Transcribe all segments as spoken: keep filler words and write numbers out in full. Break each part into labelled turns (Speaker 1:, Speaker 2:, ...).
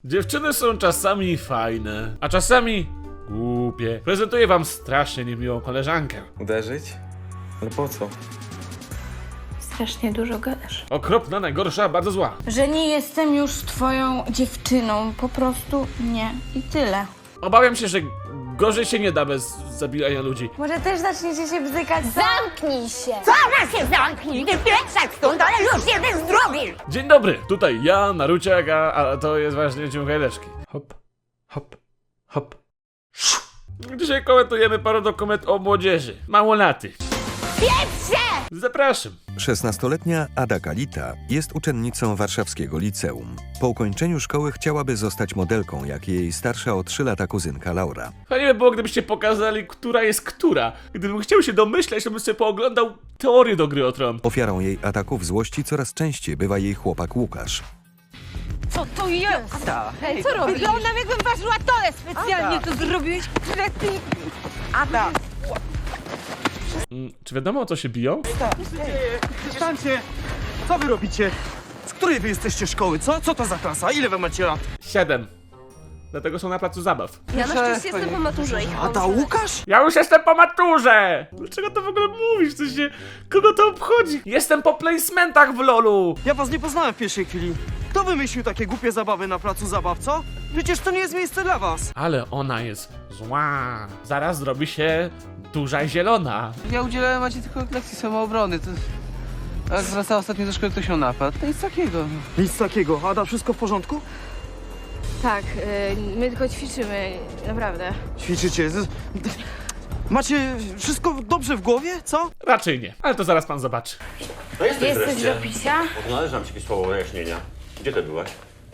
Speaker 1: Dziewczyny są czasami fajne, a czasami głupie. Prezentuję wam strasznie niemiłą koleżankę.
Speaker 2: Uderzyć? Ale po co?
Speaker 3: Strasznie dużo gadasz.
Speaker 1: Okropna, najgorsza, bardzo zła.
Speaker 3: Że nie jestem już twoją dziewczyną. Po prostu nie. I tyle.
Speaker 1: Obawiam się, że gorzej się nie da bez zabijania ludzi.
Speaker 3: Może też zaczniecie się bzykać?
Speaker 4: Zamknij się!
Speaker 5: Zaraz się zamknij! Ty pieprzak stąd, ale już jeden zdrowie!
Speaker 1: Dzień dobry, tutaj ja, Naruciak, a, a to jest właśnie Ciągajleczki.
Speaker 2: Hop, hop, hop.
Speaker 1: Dzisiaj komentujemy parę dokument o młodzieży, małolatych.
Speaker 4: Pieprze!
Speaker 1: Zapraszam.
Speaker 6: szesnastoletnia Ada Kalita jest uczennicą warszawskiego liceum. Po ukończeniu szkoły chciałaby zostać modelką, jak jej starsza o trzy lata kuzynka Laura.
Speaker 1: Fajnie by było, gdybyście pokazali, która jest która. Gdybym chciał się domyśleć, to bym sobie pooglądał teorię do Gry o Tron.
Speaker 6: Ofiarą jej ataków złości coraz częściej bywa jej chłopak Łukasz.
Speaker 5: Co to jest?
Speaker 2: Ada! Hej,
Speaker 5: Co robisz? Wyglądam jakbym ważyła tole specjalnie to zrobiłeś, kretyn!
Speaker 2: Ada!
Speaker 1: Mm, czy wiadomo, o co się biją?
Speaker 7: Przestańcie! Co wy robicie? Z której wy jesteście szkoły, co? Co to za klasa? Ile wy macie lat?
Speaker 1: Siedem. Dlatego są na placu zabaw.
Speaker 4: Ja na szczęście jestem po maturze i
Speaker 7: A ta Łukasz?
Speaker 1: Ja już jestem po maturze! Dlaczego to w ogóle mówisz? Co się... Kogo to obchodzi? Jestem po placementach w lolu!
Speaker 7: Ja was nie poznałem w pierwszej chwili. Kto wymyślił takie głupie zabawy na placu zabaw, co? Przecież to nie jest miejsce dla was.
Speaker 1: Ale ona jest zła. Zaraz zrobi się duża i zielona.
Speaker 8: Ja udzielałem Macie tylko lekcji samoobrony. To... Jak wracała ostatnio do szkoły, ktoś ją napadł. To nic takiego.
Speaker 7: Nic takiego. Ada, wszystko w porządku?
Speaker 3: Tak, yy, my tylko ćwiczymy. Naprawdę.
Speaker 7: Ćwiczycie. Z- Macie wszystko dobrze w głowie, co?
Speaker 1: Raczej nie, ale to zaraz pan zobaczy.
Speaker 9: No jesteś
Speaker 3: Jesteś
Speaker 9: wreszcie.
Speaker 3: do picia?
Speaker 9: Należy ci jakieś słowo wyjaśnienia. Gdzie ty byłaś?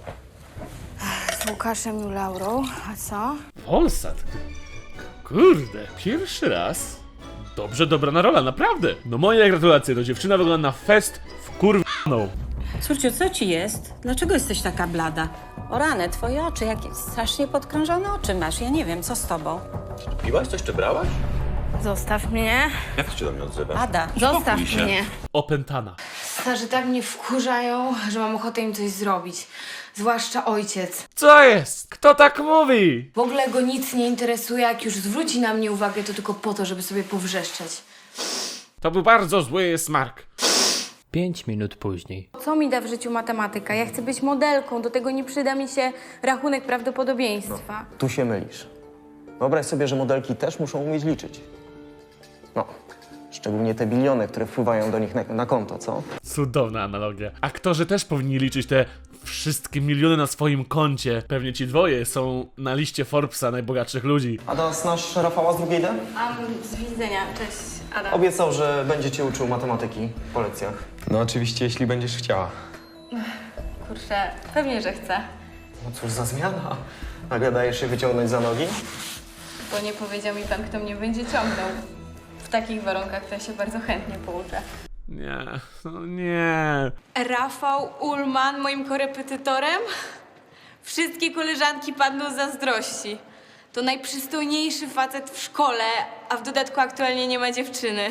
Speaker 3: Z Łukaszem i Laurą. A co?
Speaker 1: Polsat. Kurde, pierwszy raz. Dobrze dobrana rola, naprawdę. No moje gratulacje, to dziewczyna wygląda na fest w kurwaną.
Speaker 10: Córciu, co ci jest? Dlaczego jesteś taka blada? O rany, twoje oczy, jakie strasznie podkrążone oczy masz. Ja nie wiem, co z tobą?
Speaker 9: Piłaś coś czy brałaś?
Speaker 3: Zostaw mnie.
Speaker 9: Jak ty się do mnie odzywasz?
Speaker 10: Ada,
Speaker 3: Zostaw
Speaker 9: się.
Speaker 3: mnie.
Speaker 1: Opętana.
Speaker 3: Starzy tak mnie wkurzają, że mam ochotę im coś zrobić. Zwłaszcza ojciec.
Speaker 1: Co jest? Kto tak mówi?
Speaker 3: W ogóle go nic nie interesuje, jak już zwróci na mnie uwagę, to tylko po to, żeby sobie powrzeszczeć.
Speaker 1: To był bardzo zły smark.
Speaker 11: Pięć minut później.
Speaker 3: Co mi da w życiu matematyka? Ja chcę być modelką, do tego nie przyda mi się rachunek prawdopodobieństwa.
Speaker 2: Tu się mylisz. Wyobraź sobie, że modelki też muszą umieć liczyć. No, szczególnie te biliony, które wpływają do nich na, na konto, co?
Speaker 1: Cudowna analogia. Aktorzy też powinni liczyć te wszystkie miliony na swoim koncie. Pewnie ci dwoje są na liście Forbesa najbogatszych ludzi.
Speaker 2: Ada, znasz Rafała z drugiej D?
Speaker 3: Am, z widzenia. Cześć, Ada.
Speaker 2: Obiecał, że będzie cię uczył matematyki po lekcjach.
Speaker 12: No oczywiście, jeśli będziesz chciała.
Speaker 3: Kurczę, pewnie, że chcę.
Speaker 2: No cóż za zmiana. Nagle dajesz się wyciągnąć za nogi?
Speaker 3: Bo nie powiedział mi pan, kto mnie będzie ciągnął. W takich warunkach to ja się bardzo chętnie pouczę.
Speaker 1: Nie, no nie.
Speaker 3: Rafał Ullman moim korepetytorem? Wszystkie koleżanki padną z zazdrości. To najprzystojniejszy facet w szkole, a w dodatku aktualnie nie ma dziewczyny.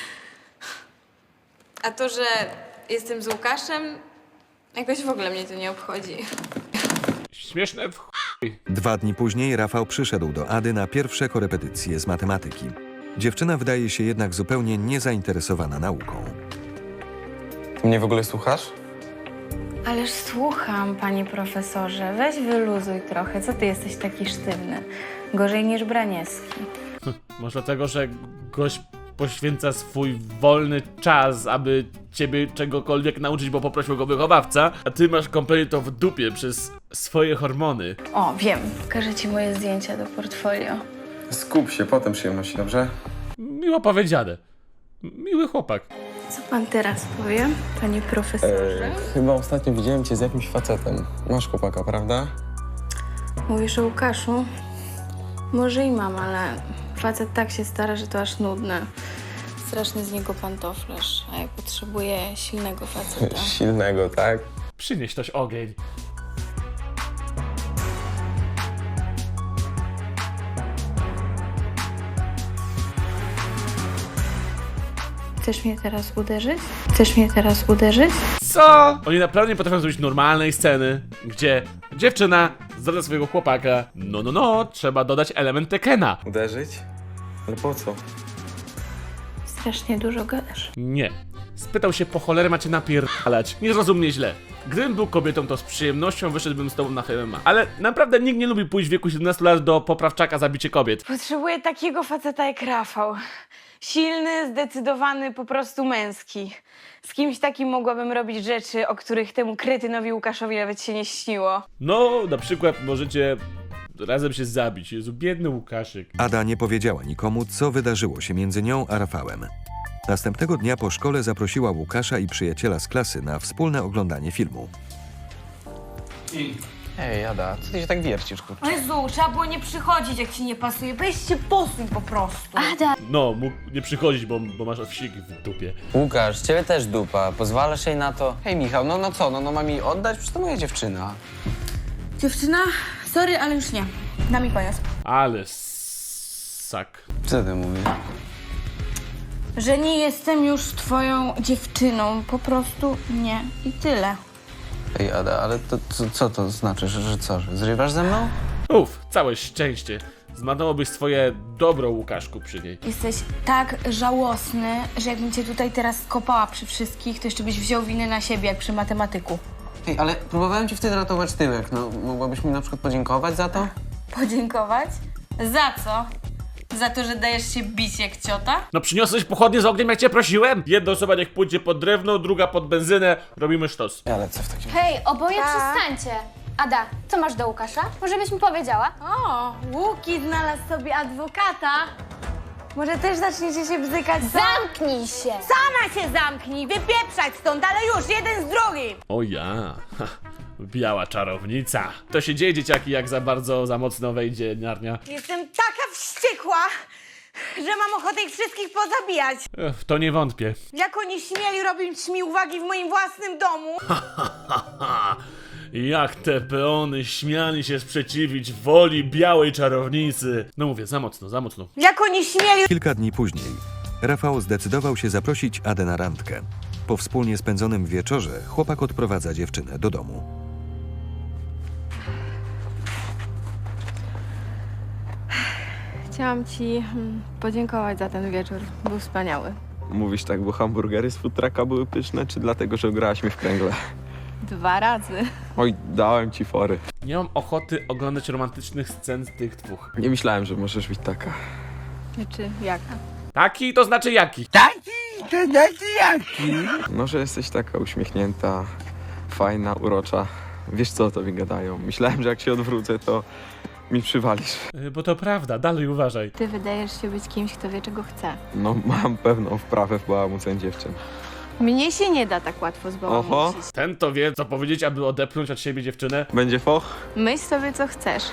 Speaker 3: A to, że jestem z Łukaszem, jakoś w ogóle mnie to nie obchodzi.
Speaker 1: Śmieszne w chuj.
Speaker 6: Dwa dni później Rafał przyszedł do Ady na pierwsze korepetycje z matematyki. Dziewczyna wydaje się jednak zupełnie niezainteresowana nauką.
Speaker 12: Ty mnie w ogóle słuchasz?
Speaker 3: Ależ słucham, panie profesorze. Weź wyluzuj trochę. Co ty jesteś taki sztywny? Gorzej niż Braniewski.
Speaker 1: Może dlatego, że gość poświęca swój wolny czas, aby ciebie czegokolwiek nauczyć, bo poprosił go wychowawca, a ty masz kompletnie to w dupie przez swoje hormony.
Speaker 3: O, wiem. Pokażę ci moje zdjęcia do portfolio.
Speaker 12: Skup się, potem przyjemności, dobrze?
Speaker 1: Miło powiedziane. Miły chłopak.
Speaker 3: Co pan teraz powie, panie profesorze?
Speaker 12: Eee, chyba ostatnio widziałem cię z jakimś facetem. Masz chłopaka, prawda?
Speaker 3: Mówisz o Łukaszu? Może i mam, ale facet tak się stara, że to aż nudne. Straszny z niego pantoflarz, a ja potrzebuję silnego faceta.
Speaker 12: Silnego, tak?
Speaker 1: Przynieś ktoś ogień.
Speaker 3: Chcesz mnie teraz uderzyć? Chcesz mnie teraz uderzyć?
Speaker 1: Co? Oni naprawdę nie potrafią zrobić normalnej sceny, gdzie Dziewczyna zdradza swojego chłopaka. No, no, no, trzeba dodać element Tekena.
Speaker 12: Uderzyć? Ale po co?
Speaker 4: Strasznie dużo gadasz.
Speaker 1: Nie. Spytał się, po cholerę macie napierdalać. Nie zrozum mnie źle. Gdybym był kobietą, to z przyjemnością wyszedłbym z tobą na M M A. Ale naprawdę nikt nie lubi pójść w wieku siedemnastu lat do poprawczaka za bicie kobiet.
Speaker 3: Potrzebuję takiego faceta jak Rafał. Silny, zdecydowany, po prostu męski. Z kimś takim mogłabym robić rzeczy, o których temu kretynowi Łukaszowi nawet się nie śniło.
Speaker 1: No, na przykład możecie razem się zabić. Jezu, biedny Łukaszek.
Speaker 6: Ada nie powiedziała nikomu, co wydarzyło się między nią a Rafałem. Następnego dnia po szkole zaprosiła Łukasza i przyjaciela z klasy na wspólne oglądanie filmu.
Speaker 8: Ej, Ada, co ty się tak wiercisz, kurczę?
Speaker 5: O Jezu, trzeba było nie przychodzić, jak ci nie pasuje. Weź się posuń po prostu.
Speaker 4: Ada,
Speaker 1: No, mógł nie przychodzić, bo, bo masz wsik w dupie.
Speaker 8: Łukasz, ciebie też dupa. Pozwalasz jej na to? Hej, Michał, no, no co, no, no mam jej oddać? Przecież to moja dziewczyna.
Speaker 5: Dziewczyna, sorry, ale już nie. Na mi koniec.
Speaker 1: Ale sak.
Speaker 8: Co ty mówisz?
Speaker 5: Że nie jestem już twoją dziewczyną. Po prostu nie. I tyle.
Speaker 8: Ej, Ada, ale to co, co to znaczy, że, że co, że zrywasz ze mną?
Speaker 1: Uff, całe szczęście. Zmarnowałobyś swoje dobro, Łukaszku, przy niej.
Speaker 5: Jesteś tak żałosny, że jakbym cię tutaj teraz skopała przy wszystkich, to jeszcze byś wziął winę na siebie, jak przy matematyku.
Speaker 8: Ej, ale próbowałem ci wtedy ratować tyłek. No, mogłabyś mi na przykład podziękować za to?
Speaker 5: Podziękować? Za co? Za to, że dajesz się bić jak ciota?
Speaker 1: No przyniosłeś pochodnie z ogniem, jak cię prosiłem? Jedna osoba niech pójdzie pod drewno, druga pod benzynę. Robimy sztos.
Speaker 8: Ale co w takim...
Speaker 4: hej, oboje
Speaker 5: Tak.
Speaker 4: przestańcie. Ada, co masz do Łukasza? Może byś mi powiedziała?
Speaker 3: O, Łuki znalazł sobie adwokata. Może też zaczniecie się bzykać?
Speaker 4: Zamknij się!
Speaker 5: Sama się zamknij, wypieprzać stąd, ale już, jeden z drugim!
Speaker 1: O ja. Ha, biała czarownica. To się dzieje, dzieciaki, jak za bardzo, za mocno wejdzie narnia.
Speaker 5: Jestem taka wściekła, że mam ochotę ich wszystkich pozabijać.
Speaker 1: Ech, w to nie wątpię.
Speaker 5: Jak oni śmieli robić mi uwagi w moim własnym domu?
Speaker 1: Jak te peony śmiali się sprzeciwić woli białej czarownicy. No mówię, za mocno, za mocno.
Speaker 5: Jak oni śmieli...
Speaker 6: Kilka dni później Rafał zdecydował się zaprosić Adę na randkę. Po wspólnie spędzonym wieczorze chłopak odprowadza dziewczynę do domu.
Speaker 3: Chciałam ci mm, podziękować za ten wieczór. Był wspaniały.
Speaker 12: Mówisz tak, bo hamburgery z food trucka były pyszne, czy dlatego, że grałaś mi w kręgle?
Speaker 3: Dwa razy.
Speaker 12: Oj, dałem ci fory.
Speaker 1: Nie mam ochoty oglądać romantycznych scen z tych dwóch.
Speaker 12: Nie myślałem, że możesz być taka.
Speaker 3: Czy jaka?
Speaker 1: Taki to znaczy jaki?
Speaker 12: No, że jesteś taka uśmiechnięta, fajna, urocza. Wiesz, co o tobie gadają. Myślałem, że jak się odwrócę, to mi przywalisz.
Speaker 1: Yy, Bo to prawda, dalej uważaj.
Speaker 3: Ty wydajesz się być kimś, kto wie, czego chce.
Speaker 12: No, mam pewną wprawę w bałamuceń dziewczyn.
Speaker 3: Mnie się nie da tak łatwo
Speaker 12: Oho.
Speaker 3: zbałamucić.
Speaker 1: Ten to wie, co powiedzieć, aby odepchnąć od siebie dziewczynę.
Speaker 12: Będzie foch?
Speaker 3: Myśl sobie, co chcesz.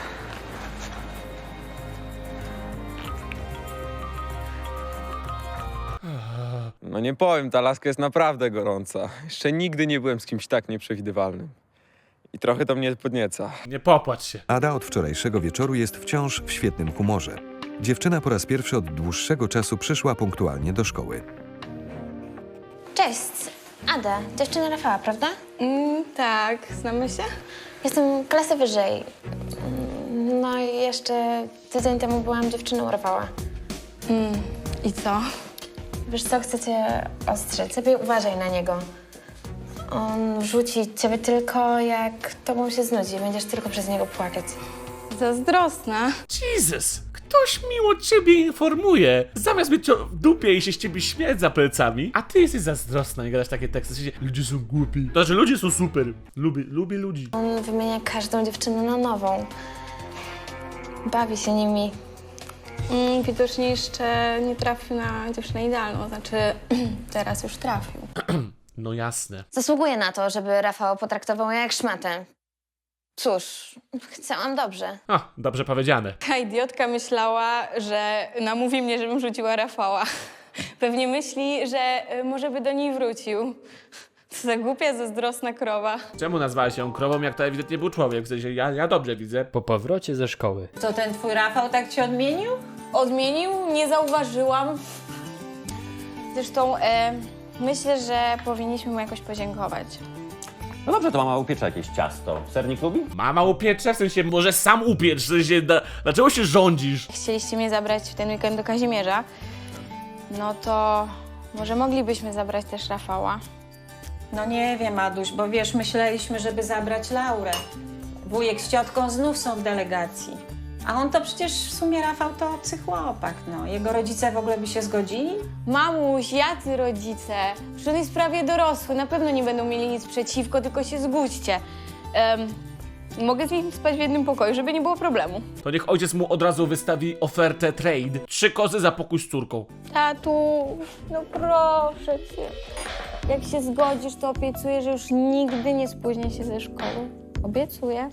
Speaker 12: No nie powiem, ta laska jest naprawdę gorąca. Jeszcze nigdy nie byłem z kimś tak nieprzewidywalnym. I trochę to mnie podnieca.
Speaker 1: Nie popłacz się.
Speaker 6: Ada od wczorajszego wieczoru jest wciąż w świetnym humorze. Dziewczyna po raz pierwszy od dłuższego czasu przyszła punktualnie do szkoły.
Speaker 4: Cześć, Ada, dziewczyna Rafała, prawda?
Speaker 3: Mm, tak, znamy się?
Speaker 4: Jestem klasę wyżej. Mm, No i jeszcze tydzień temu byłam dziewczyną Rafała.
Speaker 3: Mm, i co?
Speaker 4: Wiesz co, chcę cię ostrzec. Lepiej uważaj na niego. On rzuci ciebie tylko, jak tobą się znudzi. Będziesz tylko przez niego płakać.
Speaker 3: Zazdrosna.
Speaker 1: Jesus! Ktoś miło ciebie informuje. Zamiast mieć to w dupie i się z ciebie śmiać za plecami, a ty jesteś zazdrosna i gadasz takie teksty. W sensie, ludzie są głupi. To znaczy, ludzie są super. Lubię, lubię ludzi.
Speaker 4: On wymienia każdą dziewczynę na nową. Bawi się nimi.
Speaker 3: Mm, widocznie jeszcze nie trafił na dziewczynę idealną. Znaczy, teraz już trafił.
Speaker 1: No jasne.
Speaker 4: Zasługuje na to, żeby Rafał potraktował ją jak szmatę. Cóż, chciałam dobrze.
Speaker 1: A, dobrze powiedziane.
Speaker 3: Ta idiotka myślała, że namówi mnie, żebym rzuciła Rafała. Pewnie myśli, że y, może by do niej wrócił. Co za głupia, zazdrosna krowa.
Speaker 1: Czemu nazwałeś ją krową, jak to ewidentnie był człowiek? W sensie, ja, ja dobrze widzę.
Speaker 11: Po powrocie ze szkoły.
Speaker 10: Co, ten twój Rafał tak ci odmienił?
Speaker 3: Odmienił? Nie zauważyłam. Zresztą e, myślę, że powinniśmy mu jakoś podziękować.
Speaker 9: No dobrze, to mama upiecze jakieś ciasto. Sernik lubi?
Speaker 1: Mama upiecze? W sensie może sam upiecz, w sensie da, dlaczego się rządzisz?
Speaker 5: Chcieliście mnie zabrać w ten weekend do Kazimierza, no to może moglibyśmy zabrać też Rafała.
Speaker 10: No nie wiem, Aduś, bo wiesz, myśleliśmy, żeby zabrać Laurę. Wujek z ciotką znów są w delegacji. A on to przecież w sumie, Rafał, to obcy chłopak, no. Jego rodzice w ogóle by się zgodzili?
Speaker 5: Mamuś, jacy rodzice? Przecież on jest prawie dorosły, na pewno nie będą mieli nic przeciwko, tylko się zgódźcie. Em, mogę z nim spać w jednym pokoju, żeby nie było problemu.
Speaker 1: To niech ojciec mu od razu wystawi ofertę trade. Trzy kozy za pokój z córką.
Speaker 5: Tatu, no proszę cię. Jak się zgodzisz, to obiecuję, że już nigdy nie spóźnię się ze szkoły. Obiecuję.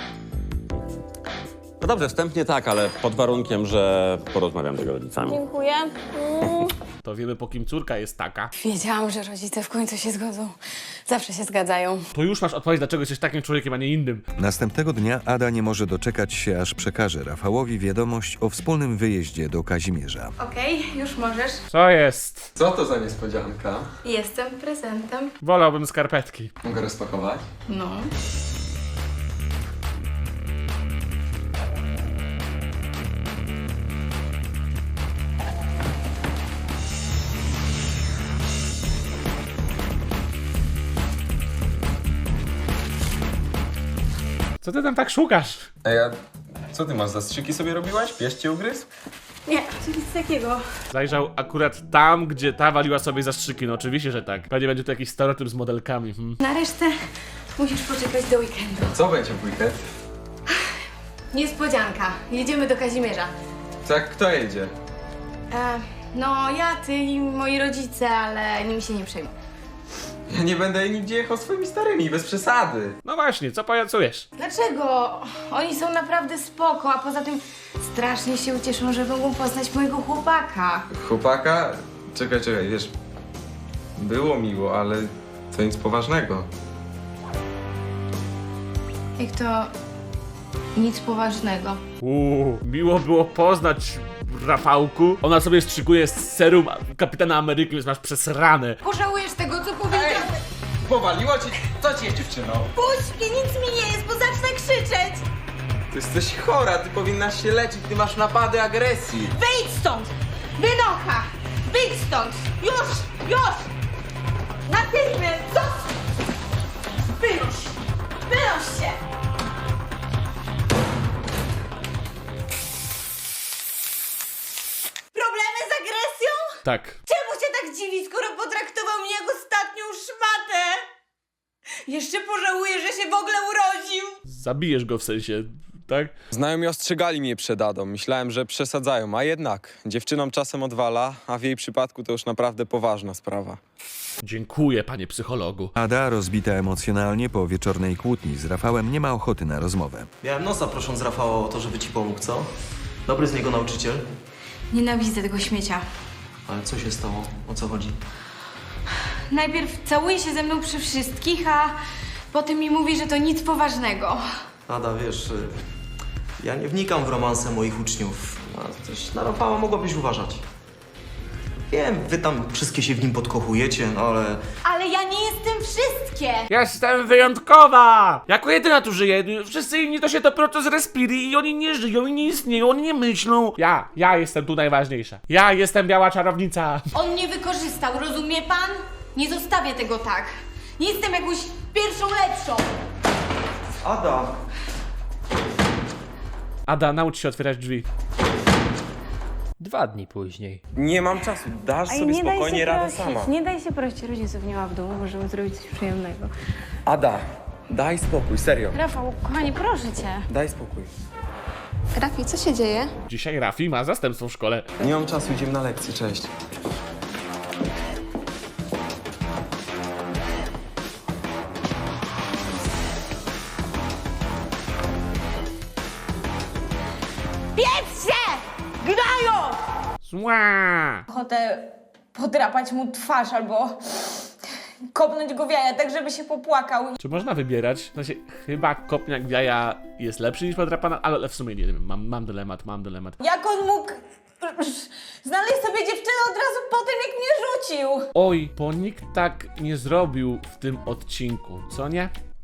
Speaker 9: No dobrze, wstępnie tak, ale pod warunkiem, że porozmawiam z jego rodzicami.
Speaker 5: Dziękuję. Mm.
Speaker 1: To wiemy, po kim córka jest taka.
Speaker 4: Wiedziałam, że rodzice w końcu się zgodzą. Zawsze się zgadzają.
Speaker 1: To już masz odpowiedź, dlaczego jesteś takim człowiekiem, a nie innym.
Speaker 6: Następnego dnia Ada nie może doczekać się, aż przekaże Rafałowi wiadomość o wspólnym wyjeździe do Kazimierza.
Speaker 4: Okej, już możesz.
Speaker 1: Co jest?
Speaker 12: Co to za niespodzianka?
Speaker 4: Jestem prezentem.
Speaker 1: Wolałbym skarpetki.
Speaker 12: Mogę rozpakować?
Speaker 4: No.
Speaker 1: Co ty tam tak szukasz?
Speaker 12: Ej, a co ty masz, zastrzyki sobie robiłaś? Pies cię ugryzł?
Speaker 4: Nie, nic takiego.
Speaker 1: Zajrzał akurat tam, gdzie ta waliła sobie zastrzyki. No oczywiście, że tak. Pewnie będzie to jakiś stereotyp z modelkami. Hmm.
Speaker 4: Na resztę musisz poczekać do weekendu.
Speaker 12: Co będzie w weekend?
Speaker 4: Niespodzianka. Jedziemy do Kazimierza.
Speaker 12: Tak, kto jedzie?
Speaker 4: E, no, ja, ty i moi rodzice, ale nimi się nie przejmuj.
Speaker 12: Ja nie będę nigdzie jechał swoimi starymi, bez przesady.
Speaker 1: No właśnie, co pajacujesz?
Speaker 4: Dlaczego? Oni są naprawdę spoko, a poza tym strasznie się ucieszą, że mogą poznać mojego chłopaka.
Speaker 12: Chłopaka? Czekaj, czekaj, wiesz, było miło, ale to nic poważnego.
Speaker 4: Jak to nic poważnego.
Speaker 1: Uuu, miło było poznać Rafałku. Ona sobie strzykuje z serum Kapitana Ameryki, więc masz przesrane.
Speaker 4: Pożałujesz tego, co powiedziałeś.
Speaker 12: Powaliło cię? Co ci jest, dziewczyno?
Speaker 3: Puść mnie, nic mi nie jest, bo zacznę krzyczeć!
Speaker 12: Ty jesteś chora, ty powinnaś się leczyć, ty masz napady agresji.
Speaker 3: Wyjdź stąd! Wynocha! Wyjdź stąd! Już! Już! Natychmiast! Co? Wynoś! Wynoś się! Problemy z agresją?
Speaker 1: Tak.
Speaker 3: Czemu się tak dziwi, skoro potraktował mnie jak ostatnią szmatę? Jeszcze pożałuję, że się w ogóle urodził.
Speaker 1: Zabijesz go w sensie, tak?
Speaker 12: Znajomi ostrzegali mnie przed Adą. Myślałem, że przesadzają, a jednak dziewczynom czasem odwala, a w jej przypadku to już naprawdę poważna sprawa.
Speaker 1: Dziękuję, panie psychologu.
Speaker 6: Ada, rozbita emocjonalnie po wieczornej kłótni z Rafałem, nie ma ochoty na rozmowę.
Speaker 2: Miałem nosa prosząc Rafała o to, żeby ci pomógł, co? Dobry z niego nauczyciel.
Speaker 4: Nienawidzę tego śmiecia.
Speaker 2: Ale co się stało? O co chodzi?
Speaker 4: Najpierw całuje się ze mną przy wszystkich, a potem mi mówi, że to nic poważnego.
Speaker 2: Ada, wiesz, y, ja nie wnikam w romanse moich uczniów, a też na Rafała mogłabyś uważać. Wiem, wy tam wszystkie się w nim podkochujecie, no ale...
Speaker 3: Ale ja nie jestem wszystkie!
Speaker 1: Jestem wyjątkowa! Jako jedyna tu żyję. Wszyscy inni to się dopiero z respiri i oni nie żyją i nie istnieją, oni nie myślą. Ja, ja jestem tu najważniejsza. Ja jestem biała czarownica.
Speaker 3: On mnie wykorzystał, rozumie pan? Nie zostawię tego tak. Nie jestem jakąś pierwszą lepszą.
Speaker 2: Ada!
Speaker 1: Ada, naucz się otwierać drzwi.
Speaker 11: Dwa dni później.
Speaker 12: Nie mam czasu, dasz
Speaker 5: Ej,
Speaker 12: sobie
Speaker 5: nie daj
Speaker 12: spokojnie
Speaker 5: się
Speaker 12: radę
Speaker 5: prosić,
Speaker 12: sama.
Speaker 5: nie daj się prosić rodziców, nie ma w domu, możemy zrobić coś przyjemnego.
Speaker 12: Ada, daj spokój, serio.
Speaker 5: Rafał, kochanie, proszę cię.
Speaker 12: Daj spokój.
Speaker 5: Rafi, co się dzieje?
Speaker 1: Dzisiaj Rafi ma zastępstwo w szkole.
Speaker 12: Nie mam czasu, idziemy na lekcję, cześć.
Speaker 3: Piec się! Gnają!
Speaker 1: Zła!
Speaker 3: Ochotę podrapać mu twarz albo kopnąć go w jaja, tak żeby się popłakał.
Speaker 1: Czy można wybierać? W sensie, chyba kopniak w jaja jest lepszy niż podrapana, ale w sumie nie wiem, mam, mam dylemat, mam dylemat.
Speaker 3: Jak on mógł znaleźć sobie dziewczynę od razu po tym, jak mnie rzucił?
Speaker 1: Oj, bo nikt tak nie zrobił w tym odcinku, co nie?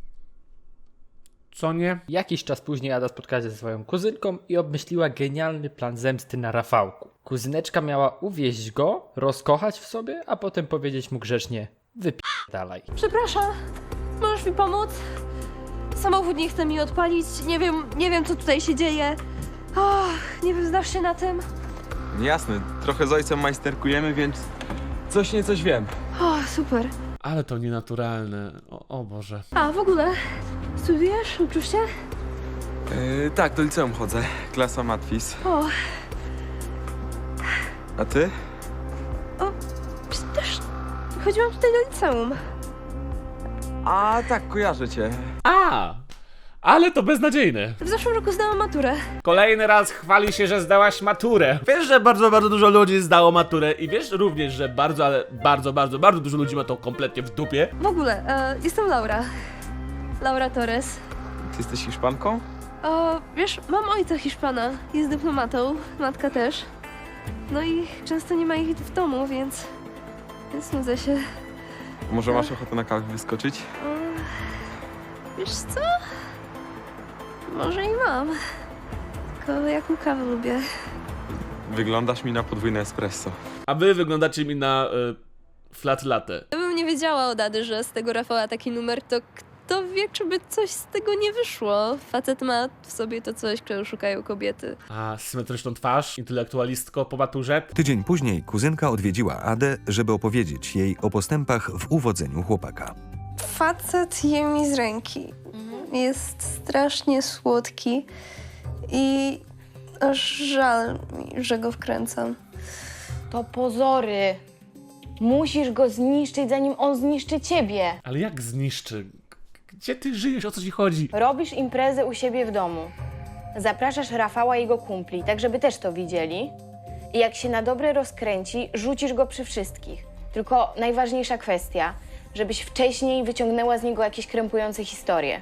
Speaker 1: co nie?
Speaker 11: Jakiś czas później Ada spotkała się ze swoją kuzynką i obmyśliła genialny plan zemsty na Rafałku. Kuzyneczka miała uwieść go, rozkochać w sobie, a potem powiedzieć mu grzecznie: wypierdalaj.
Speaker 13: Przepraszam, możesz mi pomóc? Samochód nie chce mi odpalić, nie wiem, nie wiem co tutaj się dzieje. Och, nie wiem, znasz się na tym?
Speaker 12: Jasne, trochę z ojcem majsterkujemy, więc coś nie coś wiem.
Speaker 13: O, super.
Speaker 1: Ale to nienaturalne. O, o Boże.
Speaker 13: A, w ogóle, studiujesz? Uczysz się?
Speaker 12: Yy, tak, do liceum chodzę. Klasa matwis.
Speaker 13: O,
Speaker 12: A ty?
Speaker 13: o, też chodziłam tutaj do liceum.
Speaker 12: A tak, kojarzę cię.
Speaker 1: A! Ale to beznadziejne.
Speaker 13: W zeszłym roku zdałam maturę.
Speaker 1: Kolejny raz chwali się, że zdałaś maturę. Wiesz, że bardzo, bardzo dużo ludzi zdało maturę i wiesz również, że bardzo, ale bardzo, bardzo, bardzo dużo ludzi ma to kompletnie w dupie.
Speaker 13: W ogóle, e, jestem Laura. Laura Torres.
Speaker 12: Ty jesteś Hiszpanką?
Speaker 13: O, wiesz, mam ojca Hiszpana, jest dyplomatą, matka też. No i często nie ma ich w domu, więc... więc nudzę się.
Speaker 12: Może masz ochotę na kawę wyskoczyć?
Speaker 13: O, wiesz co? Może i mam. Tylko jaką kawę lubię.
Speaker 12: Wyglądasz mi na podwójne espresso.
Speaker 1: A wy wyglądacie mi na y, flat latte.
Speaker 13: Gdybym nie wiedziała od Ady, że z tego Rafała taki numer, to kto wie, czy by coś z tego nie wyszło. Facet ma w sobie to coś, czego szukają kobiety.
Speaker 1: A symetryczną twarz, intelektualistko po maturze.
Speaker 6: Tydzień później kuzynka odwiedziła Adę, żeby opowiedzieć jej o postępach w uwodzeniu chłopaka.
Speaker 13: Facet je mi z ręki. Jest strasznie słodki i aż żal mi, że go wkręcam.
Speaker 5: To pozory. Musisz go zniszczyć, zanim on zniszczy ciebie.
Speaker 1: Ale jak zniszczy? Gdzie ty żyjesz? O co ci chodzi?
Speaker 5: Robisz imprezę u siebie w domu. Zapraszasz Rafała i jego kumpli, tak żeby też to widzieli. I jak się na dobre rozkręci, rzucisz go przy wszystkich. Tylko najważniejsza kwestia, żebyś wcześniej wyciągnęła z niego jakieś krępujące historie.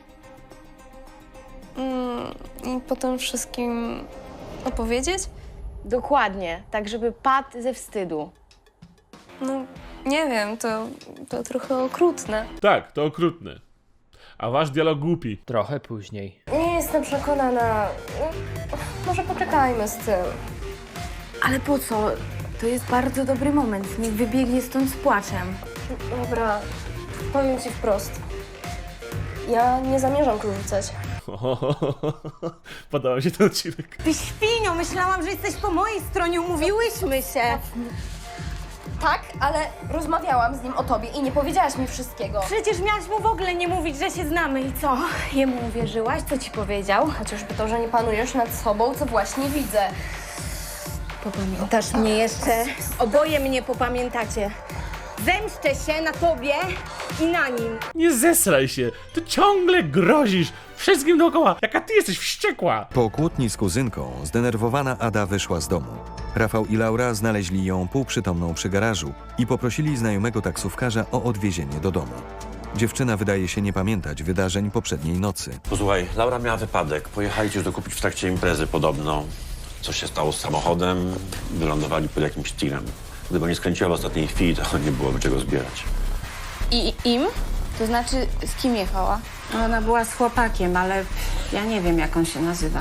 Speaker 13: Mm, I potem wszystkim opowiedzieć?
Speaker 5: Dokładnie, tak żeby padł ze wstydu.
Speaker 13: No, nie wiem, to, to trochę okrutne.
Speaker 1: Tak, to okrutne. A wasz dialog głupi.
Speaker 11: Trochę później.
Speaker 13: Nie jestem przekonana. Może poczekajmy z tym.
Speaker 5: Ale po co? To jest bardzo dobry moment. Niech wybiegnie stąd z płaczem.
Speaker 13: Dobra, powiem ci wprost. Ja nie zamierzam tu rzucać.
Speaker 1: Podobał mi się ten odcinek.
Speaker 10: Ty świnio, myślałam, że jesteś po mojej stronie, umówiłyśmy się.
Speaker 13: Tak, ale rozmawiałam z nim o tobie i nie powiedziałaś mi wszystkiego.
Speaker 10: Przecież miałaś mu w ogóle nie mówić, że się znamy i co? Jemu uwierzyłaś? Co ci powiedział?
Speaker 13: Chociażby to, że nie panujesz nad sobą, co właśnie widzę.
Speaker 10: Popamiętasz mnie jeszcze? Oboje mnie popamiętacie. Zemszczę się na tobie i na nim.
Speaker 1: Nie zesraj się. Ty ciągle grozisz wszystkim dookoła. Jaka ty jesteś wściekła.
Speaker 6: Po kłótni z kuzynką zdenerwowana Ada wyszła z domu. Rafał i Laura znaleźli ją półprzytomną przy garażu i poprosili znajomego taksówkarza o odwiezienie do domu. Dziewczyna wydaje się nie pamiętać wydarzeń poprzedniej nocy.
Speaker 9: Posłuchaj, Laura miała wypadek. Pojechali coś dokupić w trakcie imprezy podobno. Coś się stało z samochodem, wylądowali pod jakimś tirem. Gdyby nie skręciła w ostatniej chwili, to nie byłoby czego zbierać.
Speaker 5: I im? To znaczy, z kim jechała?
Speaker 10: Ona była z chłopakiem, ale ja nie wiem, jak on się nazywa.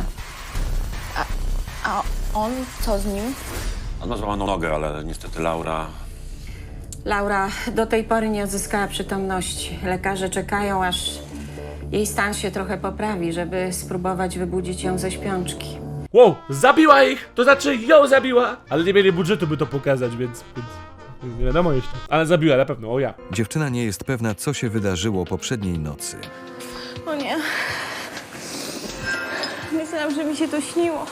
Speaker 5: A on co z nim?
Speaker 9: On ma złamaną nogę, ale niestety Laura...
Speaker 10: Laura do tej pory nie odzyskała przytomności. Lekarze czekają, aż jej stan się trochę poprawi, żeby spróbować wybudzić ją ze śpiączki.
Speaker 1: Wow, zabiła ich! To znaczy ją zabiła! Ale nie mieli budżetu, by to pokazać, więc... więc nie wiadomo jeszcze. Ale zabiła na pewno, o ja.
Speaker 6: Dziewczyna nie jest pewna, co się wydarzyło poprzedniej nocy.
Speaker 13: O nie. Myślałam, że mi się to śniło.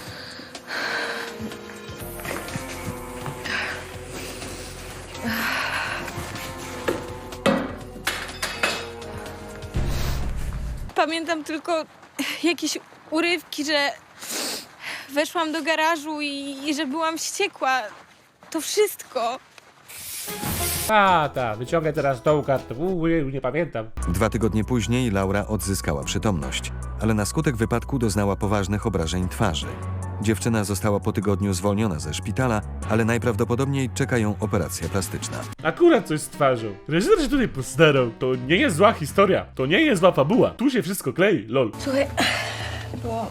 Speaker 3: Pamiętam tylko jakieś urywki, że weszłam do garażu i, i że byłam wściekła. To wszystko.
Speaker 1: A, ta, wyciągaj teraz tą kartę. Uuu, nie pamiętam.
Speaker 6: Dwa tygodnie później Laura odzyskała przytomność, ale na skutek wypadku doznała poważnych obrażeń twarzy. Dziewczyna została po tygodniu zwolniona ze szpitala, ale najprawdopodobniej czeka ją operacja plastyczna.
Speaker 1: Akurat coś z twarzą. Reżyser się tutaj postarał. To nie jest zła historia. To nie jest zła fabuła. Tu się wszystko klei, lol.
Speaker 4: Słuchaj, bo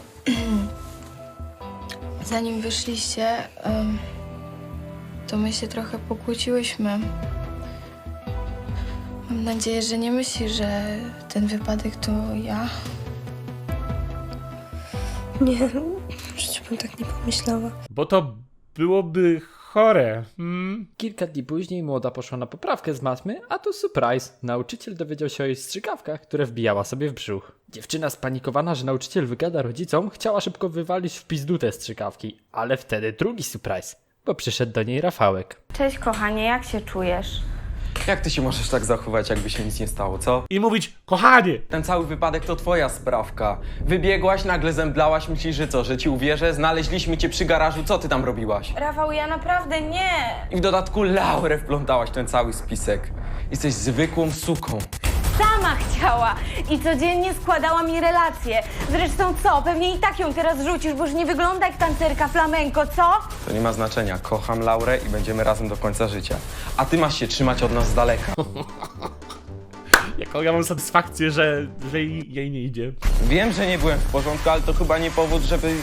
Speaker 4: zanim wyszliście, em, to my się trochę pokłóciłyśmy. Mam nadzieję, że nie myślisz, że ten wypadek to ja.
Speaker 13: Nie, w życiu bym tak nie pomyślała.
Speaker 1: Bo to byłoby chore. Hmm?
Speaker 11: Kilka dni później młoda poszła na poprawkę z matmy, a tu surprise. Nauczyciel dowiedział się o jej strzykawkach, które wbijała sobie w brzuch. Dziewczyna spanikowana, że nauczyciel wygada rodzicom, chciała szybko wywalić w pizdu te strzykawki. Ale wtedy drugi surprise, bo przyszedł do niej Rafałek.
Speaker 5: Cześć kochanie, jak się czujesz?
Speaker 12: Jak ty się możesz tak zachować, jakby się nic nie stało, co?
Speaker 1: I mówić, kochanie!
Speaker 12: Ten cały wypadek to twoja sprawka. Wybiegłaś, nagle zemdlałaś, myślisz, że co, że ci uwierzę? Znaleźliśmy cię przy garażu, co ty tam robiłaś?
Speaker 5: Rafał, ja naprawdę nie!
Speaker 12: I w dodatku Laurę wplątałaś w ten cały spisek. Jesteś zwykłą suką.
Speaker 5: Sama chciała i codziennie składała mi relacje. Zresztą co, pewnie i tak ją teraz rzucisz, bo już nie wygląda jak tancerka flamenko, co?
Speaker 12: To nie ma znaczenia. Kocham Laurę i będziemy razem do końca życia. A ty masz się trzymać od nas z daleka.
Speaker 1: Jaką ja mam satysfakcję, że, że jej, jej nie idzie.
Speaker 12: Wiem, że nie byłem w porządku, ale to chyba nie powód, żeby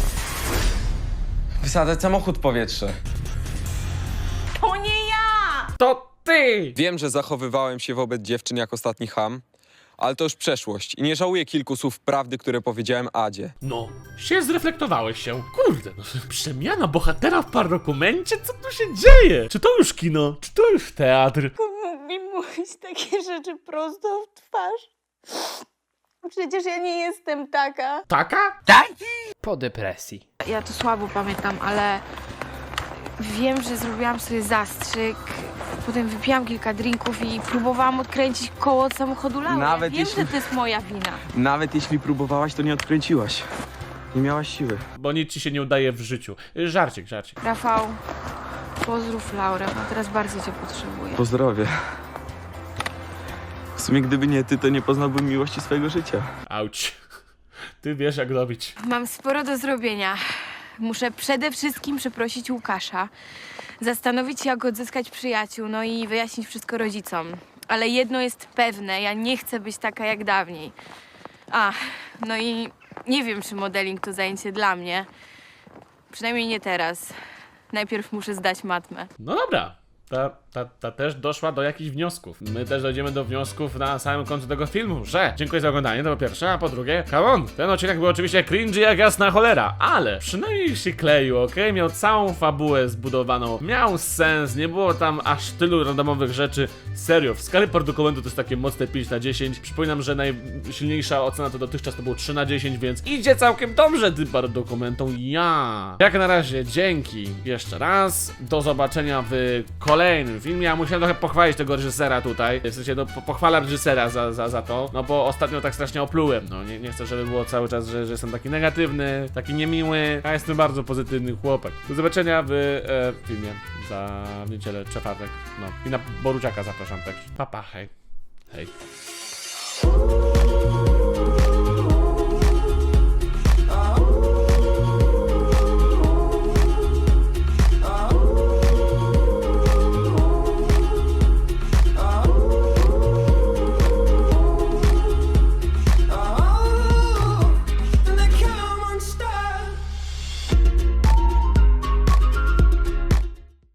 Speaker 12: wysadzać samochód w powietrze.
Speaker 5: To nie ja!
Speaker 1: To ty!
Speaker 12: Wiem, że zachowywałem się wobec dziewczyn jak ostatni cham, ale to już przeszłość i nie żałuję kilku słów prawdy, które powiedziałem Adzie.
Speaker 1: No, się zreflektowałeś się. Kurde, no, przemiana bohatera w parodokumencie? Co tu się dzieje? Czy to już kino? Czy to już teatr?
Speaker 5: Mógł mi mówić takie rzeczy prosto w twarz? Przecież ja nie jestem taka.
Speaker 1: Taka?
Speaker 11: Po depresji.
Speaker 4: Ja to słabo pamiętam, ale wiem, że zrobiłam sobie zastrzyk. Potem wypiłam kilka drinków i próbowałam odkręcić koło od samochodu Laury.
Speaker 12: Nawet
Speaker 4: Wiem,
Speaker 12: jeśli-
Speaker 4: że to jest moja wina.
Speaker 12: Nawet jeśli próbowałaś, to nie odkręciłaś. Nie miałaś siły.
Speaker 1: Bo nic ci się nie udaje w życiu. Żarcik, żarcik.
Speaker 4: Rafał, pozdrów Laurę, bo teraz bardzo cię potrzebuję.
Speaker 12: Pozdrowie. W sumie gdyby nie ty, to nie poznałbym miłości swojego życia.
Speaker 1: Auć. Ty wiesz jak robić.
Speaker 4: Mam sporo do zrobienia. Muszę przede wszystkim przeprosić Łukasza, zastanowić się, jak odzyskać przyjaciół, no i wyjaśnić wszystko rodzicom. Ale jedno jest pewne, ja nie chcę być taka jak dawniej. A, no i nie wiem, czy modeling to zajęcie dla mnie. Przynajmniej nie teraz. Najpierw muszę zdać matmę.
Speaker 1: No dobra. Ta, ta, ta też doszła do jakichś wniosków. My też dojdziemy do wniosków na samym końcu tego filmu, że dziękuję za oglądanie, to po pierwsze, a po drugie, come on, ten odcinek był oczywiście cringy jak jasna cholera, ale przynajmniej się kleił, okej? Okay? Miał całą fabułę zbudowaną, miał sens, nie było tam aż tylu randomowych rzeczy. Serio, w skali dokumentu to jest takie mocne pięć na dziesięć. Przypominam, że najsilniejsza ocena to dotychczas to było trzy na dziesięć, więc idzie całkiem dobrze tym dokumentom. Ja. Jak na razie, dzięki jeszcze raz. Do zobaczenia w kolejnym filmie. Ja musiałem trochę pochwalić tego reżysera tutaj. W sensie, no, po- pochwalam reżysera za, za, za to. No bo ostatnio tak strasznie oplułem. No nie, nie chcę, żeby było cały czas, że, że jestem taki negatywny, taki niemiły. Ja jestem bardzo pozytywny chłopak. Do zobaczenia w e, filmie za w niedzielę, czwartek. No i na Boruciaka zapraszam też. Pa, pa, hej. Hej.